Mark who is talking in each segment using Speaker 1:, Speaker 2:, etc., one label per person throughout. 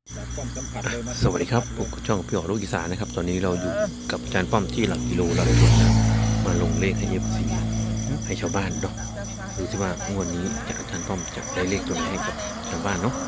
Speaker 1: สวัสดีครับผมช่องพี่อ๋อลูกอีสานนะครับตอนนี้เราอยู่กับอาจารย์ป้อมที่หลักกิโลเราได้มาลงเลขให้FCให้ชาวบ้านเนาะดูที่ว่างวดนี้อาจารย์ป้อมจะได้เลขตัวไหนให้กับชาวบ้านเนาะ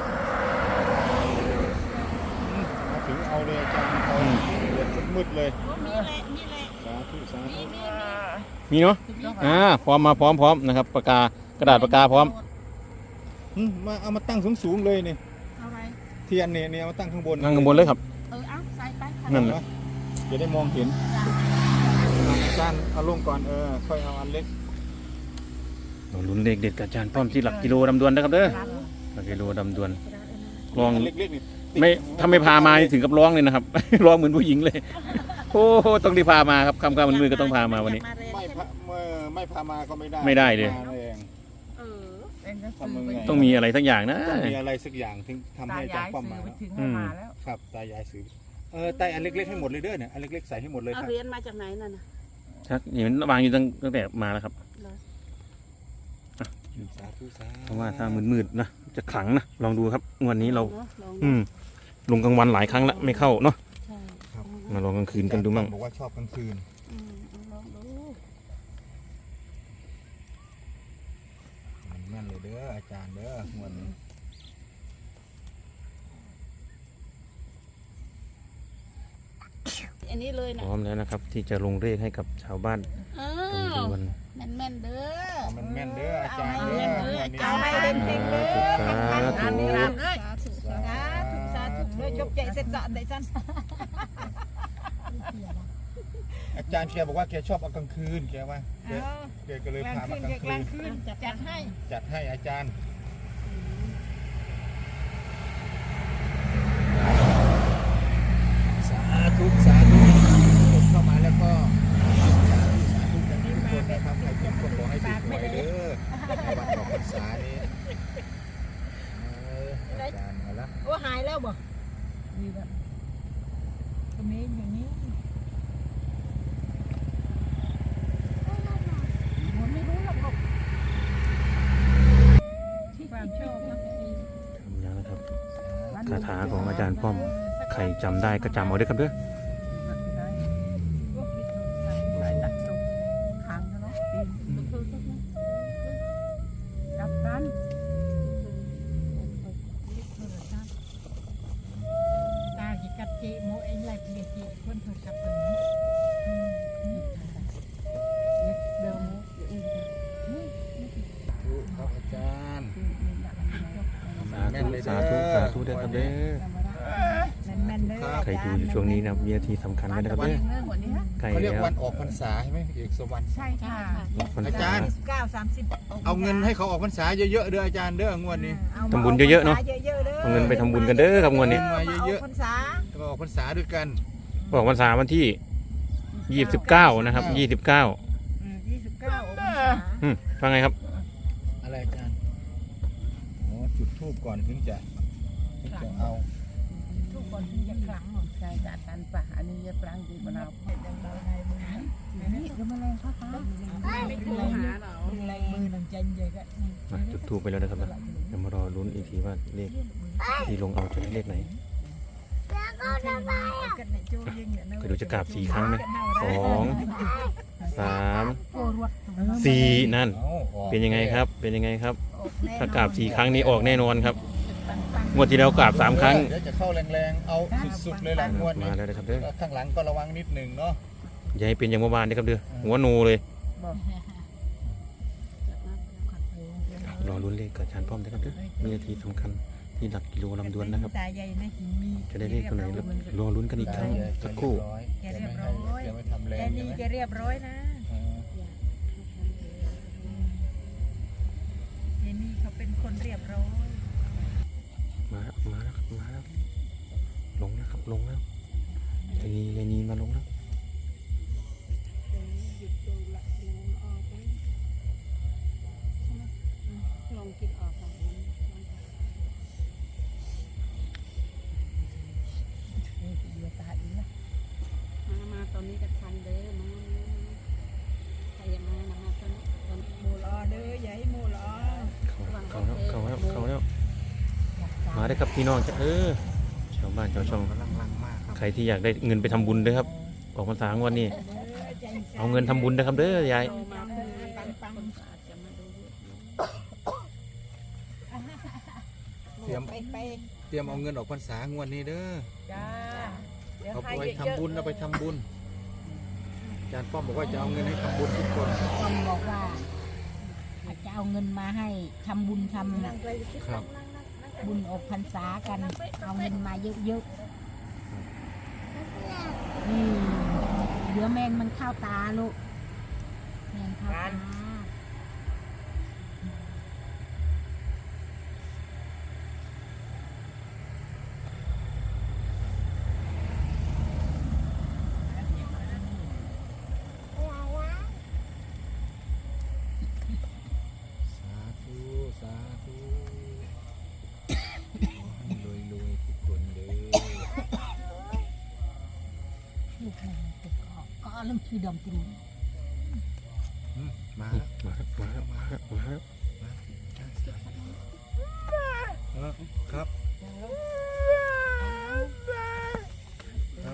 Speaker 2: มาถึงเอาเลยอาจารย์เอาเดือดมืดเลยสาธุสาธุ
Speaker 3: มีเนาะพร้อมนะครับปากกากระดาษปากกาพร้อม
Speaker 2: มาเอามาตั้งสูงๆเลยนี่
Speaker 4: เอาไว้
Speaker 2: เทียนเนี่ยเอามาตั้งข้างบน
Speaker 3: นั่งข้างบนเลยครับ
Speaker 4: เอาใส่ไป
Speaker 3: นั่นแหละ
Speaker 2: จะได้มองเห็นอาจารย์เอาลงก่อนค่อยเอาอันเล็ก
Speaker 3: เราลุ้นเลขเด็ดกับอาจารย์ป้อมที่หลักกิโลดำดวนนะครับเด้อหลักกิโลดำดวนลอง
Speaker 2: เล็กๆนี่
Speaker 3: ไม่ถ้าไม่พามานี่ถึงกับร้องเลยนะครับ ร้องเหมือนผู้หญิงเลยโอ้โหต้องรีบพามาครับคำมันมือก็ต้องพามาวันนี้
Speaker 2: ไม่พามาก็ไม่ได้
Speaker 3: ไม่ได้เลย
Speaker 2: มาแรง ทำยังไง
Speaker 3: ต้องมีอะไรทั้งอย่างนะ
Speaker 2: ต้องมีอะไรสักอย่างถึงทำให้อาจารย์ป้อมมา
Speaker 4: ถึงมาแล้ว
Speaker 2: ครับตายายซื้อไต่อันเล็กๆให้หมดเลยเด้อเนี่ยอันเล็กๆใส่ให้หมดเลยค
Speaker 4: เอา
Speaker 2: รับ
Speaker 4: เหรียญมาจากไหนนั่นน่ะ
Speaker 3: ชักนี่มันวางอยู่ตั้งแต่มาแล้วครับ
Speaker 2: สาธุสาธุ
Speaker 3: เพราะว่าถ้ามืดๆนะจะขลังนะลองดูครับงวันนี้เรา
Speaker 4: ลอง
Speaker 3: ลงกลางวันหลายครั้งแล้วไม่เข้าเนาะ
Speaker 4: ใช่
Speaker 3: มาลองกลางคืนกันดูมั่ง
Speaker 2: บอกว่าชอบกลางคืน
Speaker 4: ลองดู
Speaker 2: แม่นเลยเด้ออาจารย์เด้องวดนี้
Speaker 4: อันนี้เลย
Speaker 3: พ
Speaker 4: นะ
Speaker 3: ร้อมแล้วนะครับ ที่จะลงเลขให้กับชาวบ้านตรงวัน
Speaker 4: แม่นเด้อ
Speaker 2: มันแม่นเด้ออาจารย์เด้อ
Speaker 4: เอาให้เต็มๆเลย
Speaker 3: สาธุ
Speaker 4: สาธุเลยจบใจเสร็จสะได้จัน
Speaker 2: อาจารย์เชียร์บอกว่าแกชอบเอากลางคืนแกว่าแกก็เลยพามากลางคืน
Speaker 4: จัดให้
Speaker 2: จัดให้อาจารย์สาธุสาธุคนเข้ามาแล้วก็สาธุสาธุกันทุกคนนะครับใครเป็นคนขอให้ถูกหวยเด้อในวันออกพรรษานี้อาจารย์มาแล้ว
Speaker 4: โอ้หายแล้วบ่ดีแบบตรงนี้อย่างนี้ผมไม่รู้หรอกที่ความชอบนะ
Speaker 3: ทำแล้วนะครับคาถาของอาจารย์ป้อมใครจำได้ก็จำเอาด้วยครับเด้อ
Speaker 4: กับกันตาจิกัดจีโมเองไล่เปลี่ยนจีเพื่อนเพื่อนกับเพื่อนเดิม
Speaker 2: ครับอาจารย์
Speaker 3: สาธุด้วยครับเด้อ
Speaker 4: แม่นเลย
Speaker 3: ใครดูอยู่ช่วงนี้นะครับวินาทีสำคัญเลยนะครับเด้อใกล้
Speaker 2: เขาเรียก
Speaker 3: แล้ว
Speaker 2: วันออกพรรษาใช่ไหมเอกสวรรค์
Speaker 4: ใช่ค่ะ
Speaker 2: อาจารย์
Speaker 4: 29-30
Speaker 2: เอาเงินให้เขาออกพรรษาเยอะๆเด้ออาจารย์เด้องวดนี้
Speaker 3: ทำบุญเยอะๆเนาะเอาเงินไปทำบุญกันเด้อครับงวดนี้
Speaker 2: มาเยอะ
Speaker 4: พรรษา
Speaker 2: ๆแล้วก็ออกพรรษาด้วยกัน
Speaker 3: บอกวันวันที่29นะครับ29
Speaker 4: 29องศา
Speaker 3: ฟังไงครับ
Speaker 2: อะไรอาจารย์อ๋อจุดธูปก่อนถึงจะเอา
Speaker 4: ทุกคนที่จะครั้งใช่จัดกันป่ะอันนี้จะครั้งดีกว่าเรานี่ก็มาแรงพ่อฟ้าไม่ดูหาเราแรงมือหนึ่งใจใหญ่ก็
Speaker 3: จุดทูปไปแล้วนะครับนะเดี๋ยวมารอลุ้นอีกทีว่าเลขที่ลงเอาจะได้เลขไหนก็ดูจะกราบ4 ครั้งไหม2 3 4นั่น
Speaker 2: เอาออก
Speaker 3: เป็นยังไงครับ เป็นยังไงครับ ถ้ากราบ4 ครั้งนี้ออกแน่นอนครับงวดที่แล้วกราบ3 ครั้ง
Speaker 2: เดี๋ยวจะเข้าแรงๆเอาสุดๆเลยหลังงวด
Speaker 3: มา
Speaker 2: นี้
Speaker 3: แล้วนะครับเด้อ
Speaker 2: ข้างหลังก็ระวังนิดหนึ่งเนาะ
Speaker 3: อย่าให้เป็นอย่างเมื่อวานนะครับเด้อหัวโนเลยรอลุ้นเลขกับอาจารย์ป้อมนะครับเด้อมีนาทีสำคัญที่หลักกิโลลำดวนนะครับ
Speaker 4: ตาใหญ่นะหินมี
Speaker 3: จะได้เลขตัวไหนแล้วรอลุ้นกันอีกครั้งสักครู่
Speaker 4: แกเรียบร้อย
Speaker 2: แกไม่ทำแร
Speaker 4: แก
Speaker 2: ง
Speaker 4: นี่แกเรียบร้อยนะแกนี่เขาเป็นคนเรียบร้อย
Speaker 3: มาแล้วลงแล้วครับลงแล้วยายนีมาลงแล้ว
Speaker 4: ลองคิดออกก่อนมาตอนนี้ก็ทันเด้อมาใครยังมาตอนมูลอเด้อใหญ่มูลอ
Speaker 3: เข้าแล้วมาได้ครับพี่น้องจ้ะชาวบ้านชาวช่อง
Speaker 2: กำลังลังมากครับ
Speaker 3: ใครที่อยากได้เงินไปทำบุญด้วยครับออกพรรษางวดนี้เอาเงินทำบุญนะครับเด้อยาย
Speaker 2: เตรียมเอาเงินออกพรรษางวดนี้เด้อ
Speaker 4: จ้า
Speaker 2: เอาไปทำบุญเอาไปทำบุญอาจารย์ป้อมบอกว่าจะเอาเงินให้ทำบุญทุกคน
Speaker 4: คนบอกว่าจะเอาเงินมาให้ทำบุญทำ
Speaker 2: ครับ
Speaker 4: บุญออกพรรษากันเอาเงินมาเยอะๆนี่เดี๋ยวแมงมันเข้าตาลูกแมงเข้าตา
Speaker 2: สาธุสาธุขอให้รวยๆทุกคนเด้อ
Speaker 4: ลูกแมงติดก็เริ่มคือดมจริง
Speaker 2: มาแล้ว
Speaker 3: มาครับมาครับมาครับมาครับ
Speaker 2: ครับครับ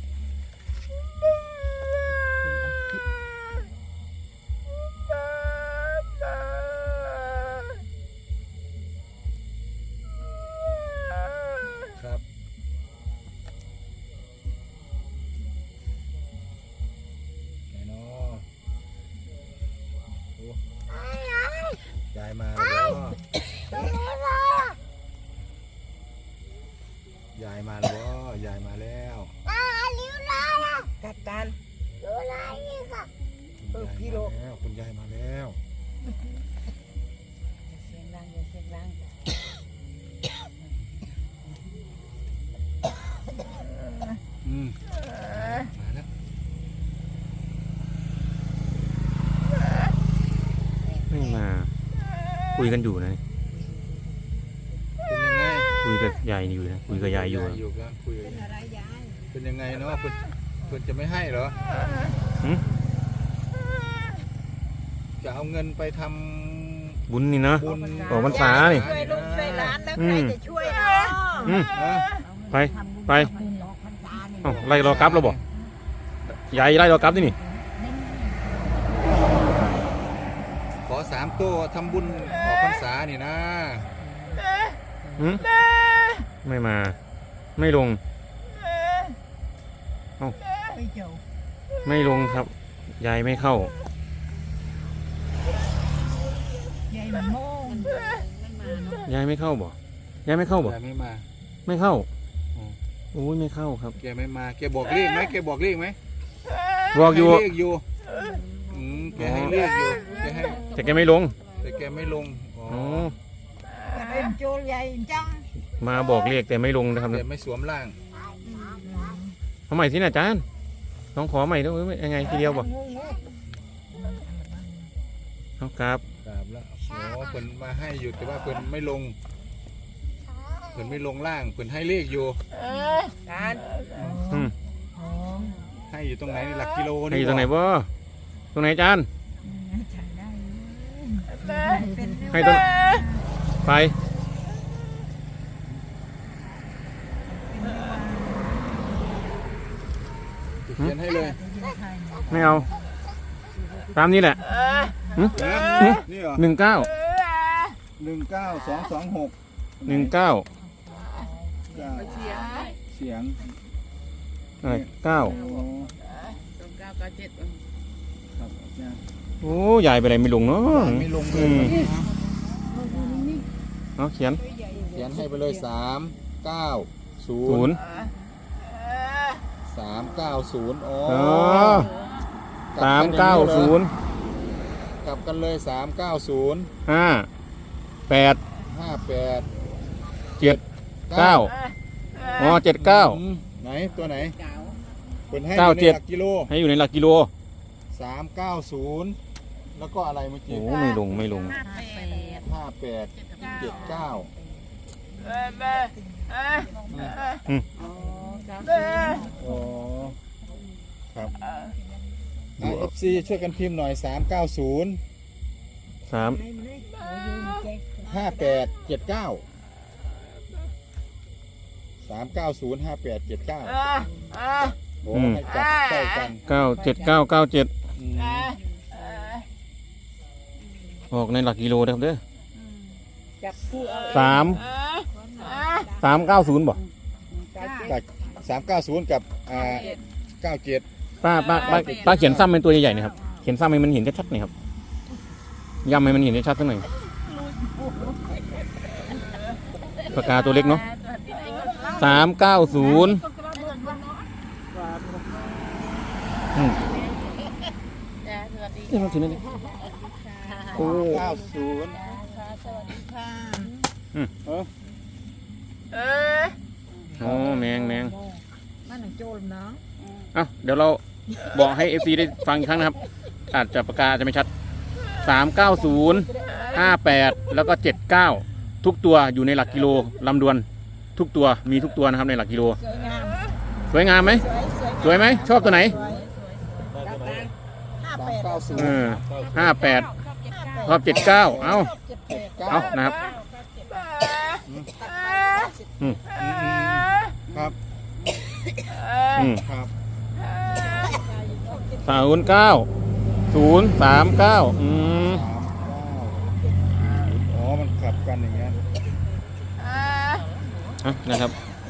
Speaker 2: ครับไหนเนาะโอ้ยายมาแล้วยายมาแล้วยายมาแล้ว
Speaker 4: กัดกัน
Speaker 2: พี่โลคุณยายมาแล้ว
Speaker 4: เสียงดังอย่าเสียงดัง
Speaker 2: อืมมาแล้ว
Speaker 3: ไม่มาคุยกันอยู่นะ
Speaker 2: เป็นยังไง
Speaker 3: คุยกับยายอยู่นะคุยกับยายอยู่
Speaker 2: อยู่กันคุยกันเป็นยังไงเนาะเพิ่นจะไม่ให้เหรอ
Speaker 3: หึ
Speaker 2: จะเอาเงินไปท
Speaker 3: บุญนี่นะ
Speaker 2: ำบุญ
Speaker 3: ออกพรรษานี่
Speaker 4: ช่วยลูกช่วยหลานแล้ว
Speaker 3: อื
Speaker 4: ใคร
Speaker 3: ม
Speaker 4: จะช่วยเนาะ
Speaker 3: อืม
Speaker 2: อ่ะ
Speaker 3: ไปไป
Speaker 4: บุญออกพรรษานี่
Speaker 3: เอ้าไล่รอกลับแล้วบอกยายไล่รอกลับนี่นี่
Speaker 2: ขอ3ตัวทำบุญออกพรรษานี่นะ
Speaker 3: หึไม่มา ไม่ลง
Speaker 4: ไม่เจ้า
Speaker 3: ไม่ลงครับยายไม่เข้า
Speaker 4: ใหญ่มันโม่ง
Speaker 3: ยายไม่เข้าบ่ยายไม่เข้าบ่
Speaker 2: แกไม่มา
Speaker 3: ไม่เข้า
Speaker 2: อ๋อ
Speaker 3: โอ้ยไม่เข้าครับ
Speaker 2: แกไม่มาแกบอกเลขไหมแกบอกเลขไหม
Speaker 3: บอกอยู่
Speaker 2: ให้เลขอยู่แกให้เลขอยู่แกให้
Speaker 3: แต่แกไม่ลง
Speaker 2: แต่แกไม่ลงอ๋อ
Speaker 3: อ๋อ
Speaker 4: เป็นโจรใหญ่จัง
Speaker 3: มาบอกเรียกแต่ไม่ลงนะครับ
Speaker 2: แกไม่สวมร่าง
Speaker 3: เอาใหม่ที่น่ะอาจารย์น้องขอใหม่ด้วยยังไงทีเดียวบ่เอาครับ
Speaker 2: กราบแล้วอ๋อเพิ่นมาให้อยู่แต่ว่าเพิ่นไม่ลงเพิ่นไม่ลงล่างเพิ่นให้เลขอยู่
Speaker 4: การ
Speaker 3: อืม
Speaker 2: ให้อยู่ตรงไหนหลักกิโล
Speaker 3: ให้อยู่ตรงไหนบ่ตรงไหนอาจารย์ให้ตรงไป
Speaker 2: เขียนให้เลย
Speaker 3: ไม่เอา ตามนี้แหละ
Speaker 2: นี่เหรอ
Speaker 3: 19
Speaker 2: 19226
Speaker 3: 19
Speaker 2: เสียง
Speaker 3: 9
Speaker 2: อ๋อ
Speaker 4: 997
Speaker 2: ครับเนี่ย
Speaker 3: โอ้ยายไปไหนไม่ลงเนาะ
Speaker 2: ไม่ลงเล
Speaker 3: อื
Speaker 2: ย
Speaker 3: มเอาเขียน
Speaker 2: เขียนให้ไปเลย390
Speaker 3: 0
Speaker 2: 390อ๋อ
Speaker 3: อ๋อ
Speaker 2: กลับกันอย่างนี้เหรอ
Speaker 3: 390
Speaker 2: กลับกันเลย390
Speaker 3: 5 8
Speaker 2: 58
Speaker 3: 7 9อ๋อ79
Speaker 2: ไหนตัวไหนเปิดให้
Speaker 3: เก้า
Speaker 2: อยู่ใน
Speaker 3: เจ็ด
Speaker 2: หลักกิโล
Speaker 3: ให้อยู่ในหลักกิโล
Speaker 2: 390แล้วก็อะไรเมื่อ
Speaker 3: โอ้
Speaker 2: กี้
Speaker 3: ไม่ลงไม่ลง
Speaker 2: 58 79 อ๋อครับFC ช่วยกันพิมพ์หน่อย 390
Speaker 3: 3
Speaker 2: 58 79 3905879โอ้ให้จับใกล้กัน
Speaker 3: 97997
Speaker 2: อืม
Speaker 3: ออกในหลักกิโลนะครับเด้อ
Speaker 4: จับคู่เอา
Speaker 3: 390บ่
Speaker 2: จาก390กับ97
Speaker 3: ป้าเขียนซ้ำเป็นตัวใหญ่ๆหนะครับเขียนซ้ำให้มันเห็นชัดๆหน่อยครับย้ำให้มันเห็นชัดๆสักหน่อยปากกาตัวเล็กเนาะ390นี่เราถือนั่นเลยโอ้
Speaker 2: 90
Speaker 3: โหแมง
Speaker 4: มันหนังโจรเนาะ
Speaker 3: เอ้าเดี๋ยวเราบอกให้ FC ได้ฟังอีกครั้งนะครับ อาจจะปากกาจะไม่ชัด390 58แล้วก็79ทุกตัวอยู่ในหลักกิโลลำดวนทุกตัวมีทุกตัวนะครับในหลักกิโล
Speaker 4: สวยงาม
Speaker 3: สวยงามไหมสวยไหมชอบตัวไหน
Speaker 2: 390
Speaker 3: 58ชอบ79เอานะครับ
Speaker 2: ครับ ครับ
Speaker 3: 39 039
Speaker 2: อ๋อมันขับกันอย่างงี้น
Speaker 3: นะครับ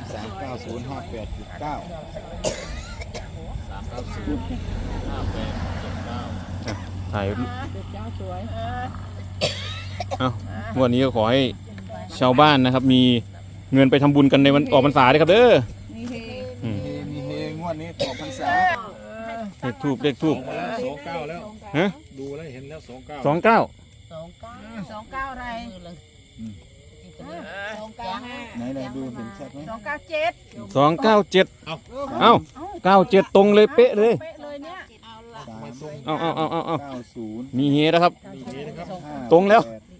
Speaker 3: ถ่ายงวดนี้ก็ขอให้ชาวบ้านนะครับ มีเงินไปทำบุญกันในวันออกพรรษาด้วยครับเด้อ
Speaker 2: มีเฮงวดนี้ต่อพรรษา
Speaker 3: เลขทูบ
Speaker 2: 29แล้ว
Speaker 3: ฮะ
Speaker 2: ดูแล้วเห็นแล้ว29
Speaker 4: 29อะไร
Speaker 2: ไหนดูเห็นชัดไหม
Speaker 4: 297
Speaker 3: เอ้า97ตรงเลยเป๊ะเลย
Speaker 4: เป๊ะเลยเนี่ย
Speaker 3: เอา
Speaker 2: 90
Speaker 3: มีเฮนะครับ ตรงแล้ว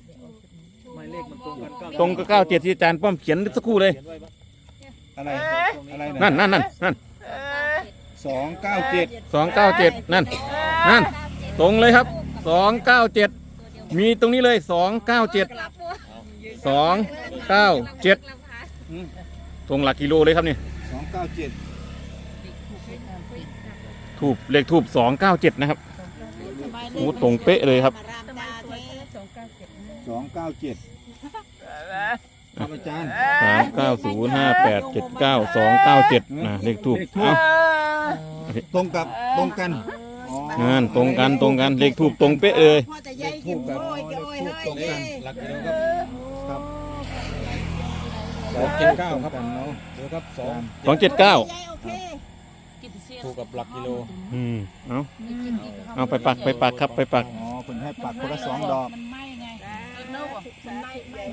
Speaker 3: ตรงกับ97ที่อาจารย์ป้อมเขียนสักครู่เลย
Speaker 2: อะไรอะไร
Speaker 3: นั่น
Speaker 2: 297
Speaker 3: 297นั่นตรงเลยครับ297มีตรงนี้เลย297ตรงหลักกิโลเลยครับนี่
Speaker 2: 297
Speaker 3: ทูบเลขทูบ297นะครับโอ้ตรงเป๊ะเลยครับ
Speaker 2: 297ครับอาจารย์
Speaker 3: 3905879 นะเลขทูบเอ้า
Speaker 2: ตรงกันอ๋อง
Speaker 3: านตรงกันเลขทูบตรงเป๊ะเลย
Speaker 2: เลขทูบกับเลขทูบตรงกันหลักกิโลครับ279ครับเนาะเดี๋ยวครับ
Speaker 3: 279
Speaker 2: ถูกกับหลักกิโล
Speaker 3: เอาไปปักครับไปปัก
Speaker 2: อ๋อเพิ่นให้ปักคนละ2ดอก
Speaker 4: มันไหม้ไงมันไหม้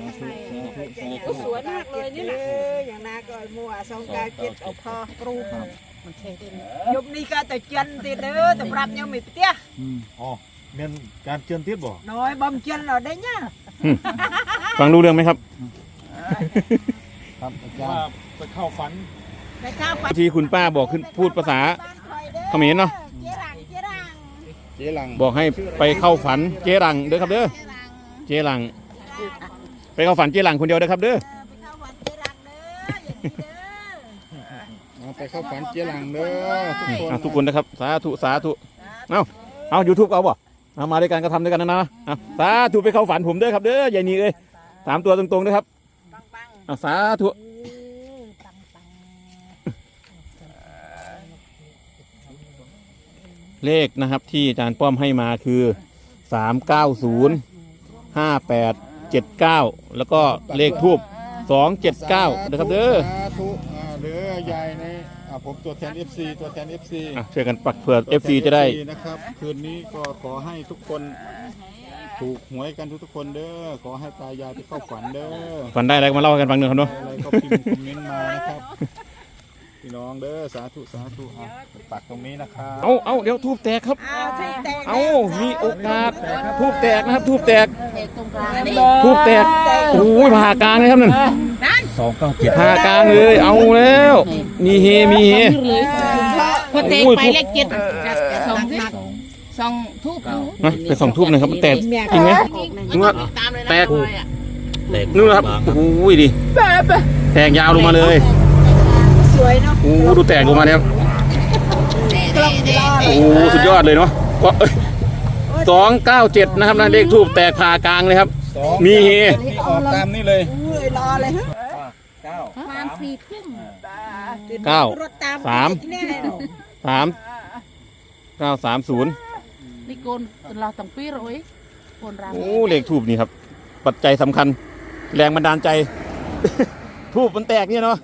Speaker 2: สวยมากเลยนี่แหละ
Speaker 4: อย่างนาก็มัว297เอาพอครูมันเท่ยมนี้ก็แต่เจียนติเด้อแต่ปรับยังไม่เตี้ย
Speaker 2: อ๋อเมียนการเชิญทิศบ่
Speaker 4: น้อยบ่มเจียนเราได้เนี่ย
Speaker 3: ฟังรู้เรื่องไหมครับ
Speaker 2: ครับอาจารย์ไปเข้าฝัน
Speaker 4: ไปข้าวไป
Speaker 3: ที่คุณป้าบอกขึ้นพูดภาษาเขมรเนาะ
Speaker 2: เจ๊หลัง
Speaker 3: บอกให้ไปเข้าฝันเจ๊รังเด้อครับเด้อเจ๊รังไปเข้าฝันเจ๊รังคนเดียวเด้อครับเด้อ
Speaker 2: ไปเข้าฝันเจ๊หลังเด้อทุกคน
Speaker 3: ทุกคนนะครับสาธุเอาYouTube เอาบ่เอามาด้วยกันก็ทำด้วยกันนะสาธุไปเข้าฝันผมเด้อครับเด้อยายนีเอ้ย3ตัวตรงๆนะครับเอาสาธุเลขนะครับที่อาจารย์ป้อมให้มาคือ390 5879แล้วก็เลขทูบ279นะครับเด้อ
Speaker 2: สาธุเด้อยายในผมตัวแทน FC
Speaker 3: ช่วยกันปักเผื่อ FC จะได้
Speaker 2: นะครับคืนนี้ก็ขอให้ทุกคนถูกหวยกันทุกคนเด้อขอให้ตายายไปเข้าฝันเด้อ
Speaker 3: ฝันได้อะไรก็มาเล่าให้กันฟังหนึ่งครับเนาะ
Speaker 2: อะไรก็พิมพ์คอมเมนต์มานะครับพี่น้องเด้อสาธุปักตรงนี้นะครับ
Speaker 3: เอาเดี๋ยวทูบแตกครับมีโอกาสทูบแตกนะครับทูบแตกโอ้ยผ่ากลางเลยครับนั่น297ผ่ากลางเลยเอาแล้วมีเฮ
Speaker 4: พอแตกไปเลข7 2ทูบ
Speaker 3: ไป2ทูบหน่อยครับแตกจริงไหมนึกว่าแตกนู่นครับโอ้ยดิแตกยาวลงมาเลย
Speaker 4: วยเนาะ
Speaker 3: โอ้ดูแตกลงมาเนี่ยครับ
Speaker 4: กล้องรอ
Speaker 3: โอ้สุดยอดเลยเนาะก็297นะครับนะเลขทูบแตกผ่ากลางเลยครับ มีเฮ
Speaker 2: นี่ออกตามนี่เลย
Speaker 4: อุ้ยรอเลยฮะ
Speaker 2: เก้า
Speaker 5: ประมาณ4 ทุ่ม
Speaker 3: เก้า
Speaker 4: รถตาม
Speaker 3: สาม
Speaker 4: แน่เนาะ
Speaker 3: 3930
Speaker 5: นี่โกนเราต้องปีร้อยโกนรำ
Speaker 3: โอ้เลขทูบนี่ครับ ปัจจัยสำคัญ แรงบันดาลใจ ทูบมันแตกเนี่ยเนาะ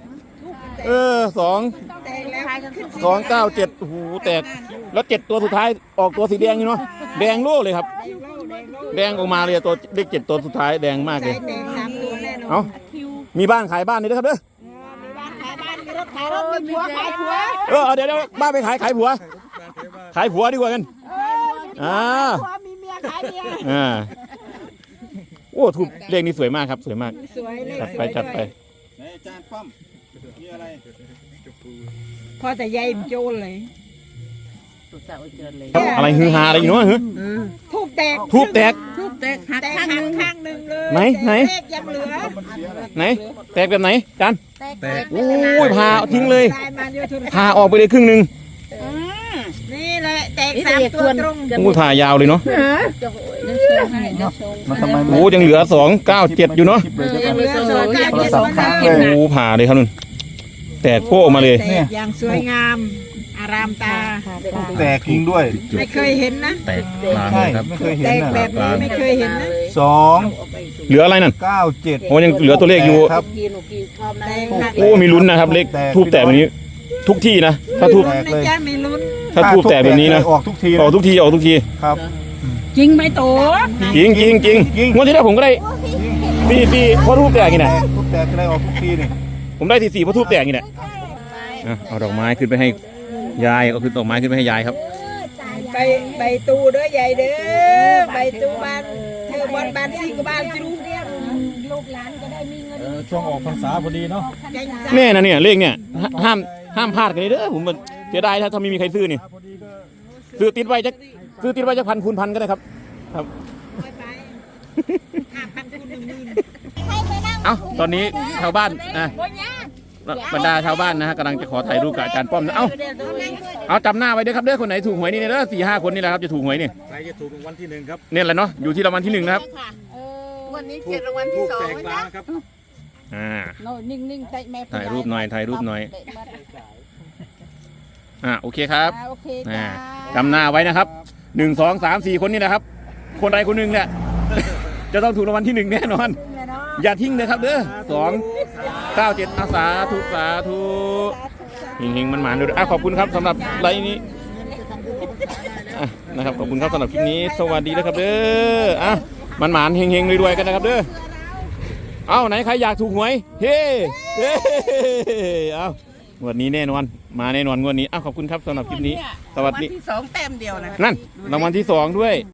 Speaker 4: แต่แล้วขึ้น
Speaker 3: 297โอ้โหแตกแล้ว7ตัวสุดท้ายออกตัวสีแดงอยู่เนาะแดงโล่เลยครับ แดงออกมาเลยตัวเลข7ตัวสุดท้ายแดงมากเลย
Speaker 4: แดง3ตัวแน่นอน
Speaker 3: เอ้ามีบ้านขายบ้านนี่ด้วยครับเด้อ
Speaker 4: มีบ้านขายบ้านมีรถขายรถมีผัวขายผัว
Speaker 3: เดี๋ยวบ้านไปขายผัว ขายผัวดีกว่ากันอ่า
Speaker 4: ผัวมีเมียขายเมีย
Speaker 3: โอ้ถูกเลขนี้สวยมากครับสวยมาก
Speaker 4: สวยเลย
Speaker 3: จัดไปจัดไป
Speaker 2: ไหนอาจารย์ป้อมนี่อะไร
Speaker 4: พอแต่ยายโจรเลย
Speaker 5: ตัวเจ้าเจอเลย
Speaker 3: อะไรฮือฮาอะไรอยู่เนาะ
Speaker 4: ทูบแตก
Speaker 3: ทูบแตก
Speaker 5: ทุบแตกหัก
Speaker 4: แตก
Speaker 5: ข้างหนึง
Speaker 4: ข้างหนึ่งเลย
Speaker 3: ไหนไหน
Speaker 4: เลขยังเหลือ
Speaker 3: ไหนแตกแบบไหนจาน
Speaker 5: แตก
Speaker 3: โอ้ยพาทิ้งเลย
Speaker 4: ได้มาเดียวโทรศัพท์
Speaker 3: พาออกไปเลยครึ่งหนึ่ง
Speaker 4: นี่แหละแตก3ตัวตรง
Speaker 3: โอ้ยพายาวเลยเนาะ
Speaker 5: จะเดี๋ยวโชว์ให้เดี๋ยวโชว์
Speaker 2: มันทำไม
Speaker 3: โอ้ยังเหลือ297อยู่เนาะ
Speaker 5: ยังเหลือโชว์
Speaker 4: ยังเหลือ
Speaker 3: โอ้ผ่าเลยครับนุ่นแตกโป้ออกมาเลย
Speaker 4: แตกอย่างสวยงาม อารามตา
Speaker 2: แตกจริงด้วย
Speaker 4: ไม่เคยเห็นนะ
Speaker 1: แตกกลาง
Speaker 2: ใช่
Speaker 1: เลยครับ
Speaker 2: ไม่เคยเห็
Speaker 4: แต
Speaker 2: น
Speaker 4: ก
Speaker 2: นะ
Speaker 4: แบบนี้ไม่เคยเห็นนะ
Speaker 2: 297
Speaker 3: เหลืออะไรนั่นโอ้ยังเหลือตัวเลขอยู่
Speaker 2: ครับ
Speaker 5: กินหนูกินชอบนะ
Speaker 4: แตกหนัก
Speaker 3: โอ้มีลุ้นนะครับเลขทูบแตกแบบนี้ ทุกที่นะถ้าทูบ
Speaker 4: ลุ้นนะจ๊ะมีลุ้น
Speaker 3: ถ้าทูบแตกแบบนี้นะ
Speaker 2: ออกทุกที
Speaker 3: ออกทุกทีออกทุกที
Speaker 2: ครับ
Speaker 5: จริงไหมโต
Speaker 3: จริงจริงจริงงวดที่แล้วผมก็ได้4เพราะทูบแตกนี่แหละ
Speaker 2: ทุกแตกจะได้ออกทุกทีนี่
Speaker 3: ผมได้4เพราะทูบแตกนี่แหละเอาดอกไม้ขึ้นไปให้ยายเอาขึ้นดอกไม้ขึ้นไปให้ยายครับ
Speaker 4: ใบตูเด้อใหญ่เด้อใบตูบ้านเธอบอลบ้านซิงกับบ้านจิรูลูกหลานก็ได้มีเงิน
Speaker 2: ช่วงออกพรรษาพอดีเนาะ
Speaker 3: แน่นะเนี่ยเลขเนี่ยห้ามพลาดกันเลยเด้อผมมันเสียดายถ้าไม่มีใครซื้อนี่ซื้อติดไว้จะพันคูณพันก็ได้ครับครับ เอาตอนนี้ชาวบ้านบรรดาชาวบ้านนะฮะกำลังจะขอถ่ายรูปกับอาจารย์ป้อมนะเอาจำหน้าไว้ด้วยครับเด้อคนไหนถูกหวยนี่เนี่ยเด้อ4-5 คนนี่แหละครับจะถูกหวยนี่
Speaker 2: ใครจะถูกรางวัลที่1ครับ
Speaker 3: เนี่ยแหละเนาะอยู่ที่รางวัลที่1นะครับ
Speaker 5: วันนี้เจ็ดรางวัลที่สอง
Speaker 2: แตก
Speaker 5: นะ
Speaker 2: ล้างครับ
Speaker 5: โน่นิ่งๆเตะแม่
Speaker 3: ถ่ายรูปหน่อยโอเคครับ
Speaker 5: โอเค
Speaker 3: จำหน้าไว้นะครับ1 2 3 4 คนนี่นะครับ คนใดคนหนึ่งเนี่ย จะต้องถูกรางวัลที่1แน่นอน อย่าทิ้งนะครับเด้อ297สาธุเฮงๆมันหมานด้วยขอบคุณครับสำหรับไลน์นี้นะครับขอบคุณครับสำหรับคลิปนี้สวัสดีนะครับเด้อมันหมานเฮงๆรวยๆกันนะครับเด้อไหนใครอยากถูกหวยเฮ้งวดนี้แน่นอนมาแน่นอนงวดนี้ขอบคุณครับสำหรับคลิปนี้สวัสดี
Speaker 5: ที่2แต้มเดียวนะ
Speaker 3: นั่นรางวัลที่2ด้วย